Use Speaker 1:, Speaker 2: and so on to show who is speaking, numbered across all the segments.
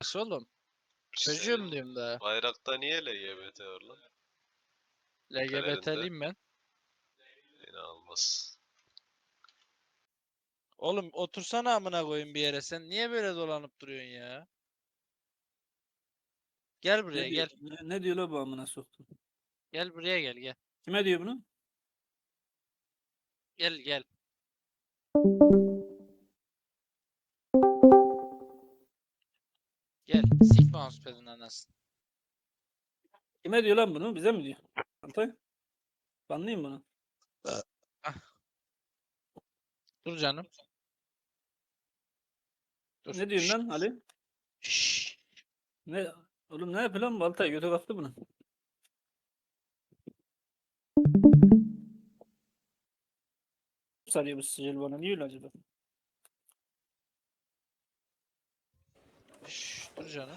Speaker 1: Nasıl oğlum? Çocuğum
Speaker 2: Senin
Speaker 1: diyorum daha.
Speaker 2: bayrakta niye LGBT var lan?
Speaker 1: LGBT'liyim ben.
Speaker 2: İnanılmaz.
Speaker 1: Oğlum otursana amına koyayım bir yere. Sen niye böyle dolanıp duruyorsun ya? Gel buraya
Speaker 3: Ne diyor,
Speaker 1: gel.
Speaker 3: ne diyor la bu amına soktum?
Speaker 1: Gel buraya gel gel.
Speaker 3: Kime diyor bunu?
Speaker 1: Gel gel. Gel. Sik mousepad'in anasını.
Speaker 3: Kime diyor lan bunu? Bize mi diyor? Antay. Banlayayım bunu.
Speaker 1: Ah. Dur canım. Dur.
Speaker 3: Ne diyorsun lan Ali?
Speaker 1: Şşş.
Speaker 3: Ne? Oğlum ne yapıyor lan bu Altay? Götü kalktı bunu. Sarıyor bu sicil bana. Niye öyle acaba?
Speaker 1: Şşş. Dur canım.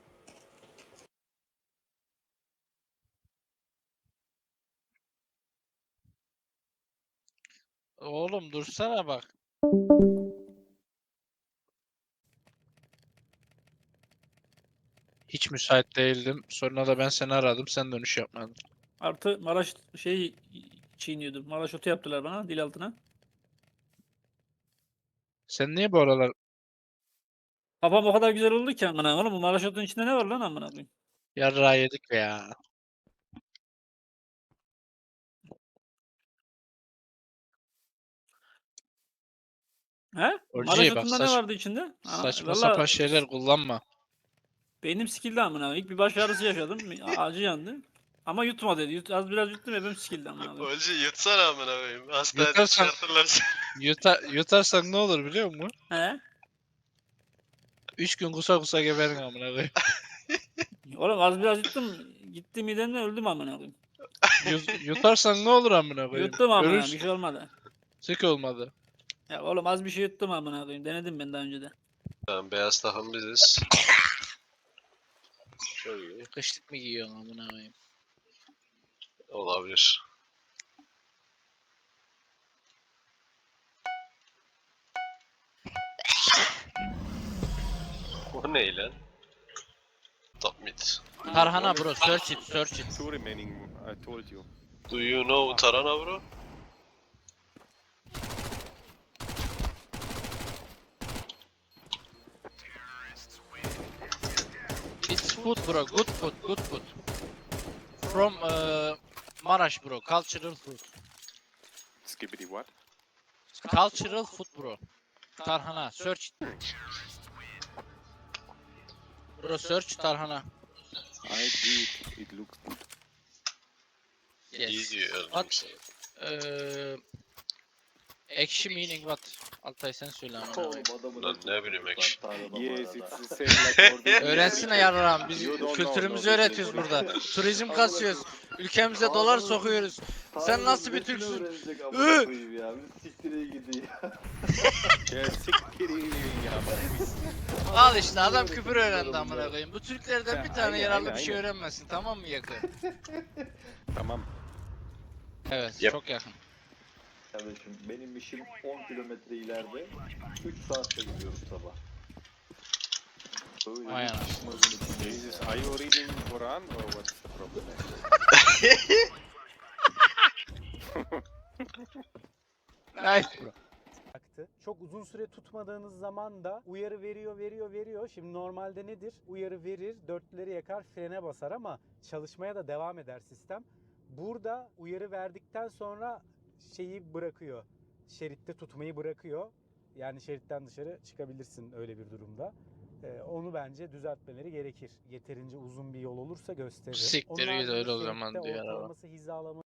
Speaker 1: Oğlum dursana bak. Hiç müsait değildim. Sonra da ben seni aradım. Sen dönüş yapmadın.
Speaker 3: Artı Maraş şey çiğniyordum. Maraş otu yaptılar bana dil altına.
Speaker 1: Sen niye bu aralar
Speaker 3: Kafam o kadar güzel oldu ki amına. Oğlum bu Maraş otunun içinde ne var lan amına koyayım?
Speaker 1: yarrağı yedik ya?
Speaker 3: He? Maraş
Speaker 1: Orciye bak
Speaker 3: otundan ne vardı içinde?
Speaker 1: saçma sapan
Speaker 3: Valla
Speaker 1: şeyler kullanma.
Speaker 3: beynim sikildi amına. İlk bir baş ağrısı yaşadım. Acı yandı. Ama yutma dedi. Az biraz yuttum hepim sikildi amına.
Speaker 2: Olcu yutsana amına koyayım. Hastaneden
Speaker 1: Yutarsan,
Speaker 2: çıkartırlar seni.
Speaker 1: yutarsan ne olur biliyor musun?
Speaker 3: He?
Speaker 1: 3 gün kusa kusa geberin amına koyayım.
Speaker 3: Oğlum az biraz yuttum. Gitti midemden öldüm amına koyayım.
Speaker 1: Yutarsan ne olur amına koyayım?
Speaker 3: Yuttum amına. Bir
Speaker 1: Görürsün.
Speaker 3: şey olmadı.
Speaker 1: Sik olmadı.
Speaker 3: Ya oğlum az bir şey yuttum amına koyayım. Denedim ben daha önce de.
Speaker 2: Tamam, beyaz takım biziz. Çok iyi.
Speaker 1: Kışlık mı giyiyorsun amına koyayım?
Speaker 2: Olabilir. O ne lan? Top mid.
Speaker 1: Tarhana bro, search it, search it.
Speaker 4: Two remaining, I told you.
Speaker 2: Do you know Tarana bro?
Speaker 1: It's food bro, good food, good food. From Maraş bro, cultural food.
Speaker 4: Skibbity what?
Speaker 1: Cultural food bro. Tarhana, search it. Bro, search tarhana.
Speaker 4: I did. It looks good.
Speaker 1: Yes.
Speaker 2: İyi diyor.
Speaker 1: What? Ekşi meaning what? Altay sen söyle amına koyayım.
Speaker 2: Lan ne bileyim ekşi.
Speaker 4: Yes, it's the same like ordinary.
Speaker 1: Öğrensene yarrağım. Biz
Speaker 4: You don't
Speaker 1: kültürümüzü
Speaker 4: know, no,
Speaker 1: öğretiyoruz burada. Turizm kasıyoruz. Ülkemize dolar sokuyoruz. Sen nasıl bir Türksün?
Speaker 5: Ya bir siktire gidiyor.
Speaker 4: Yeah, siktir ya.
Speaker 1: Al işte adam küfür öğrendi amına koyayım. Bu Türklerden bir tane
Speaker 4: Aynen,
Speaker 1: yararlı bir
Speaker 4: aynen,
Speaker 1: şey
Speaker 4: aynen.
Speaker 1: öğrenmesin, tamam mı yakın?
Speaker 4: Tamam.
Speaker 1: Evet,
Speaker 2: Yap.
Speaker 1: çok yakın.
Speaker 5: Kardeşim benim işim 10 kilometre ileride. 3 saatte gidiyorum sabah. Öyle
Speaker 1: Vay
Speaker 5: bir
Speaker 1: anasını.
Speaker 5: çıkmazın içindeyim
Speaker 4: Jesus,
Speaker 5: ya.
Speaker 4: are you reading Quran or what's the problem?
Speaker 1: Nice bro.
Speaker 6: Baktı. Çok uzun süre tutmadığınız zaman da uyarı veriyor. Şimdi normalde nedir? Uyarı verir, dörtlüleri yakar, frene basar ama çalışmaya da devam eder sistem. Burada uyarı verdikten sonra şeyi bırakıyor. Şeritte tutmayı bırakıyor. Yani şeritten dışarı çıkabilirsin öyle bir durumda. Onu bence düzeltmeleri gerekir. Yeterince uzun bir yol olursa gösterir.
Speaker 1: Siktir
Speaker 6: Onun
Speaker 1: git öyle
Speaker 6: haricinde
Speaker 1: o zaman
Speaker 6: şeritte
Speaker 1: diyor araba.
Speaker 6: ortalaması hizalama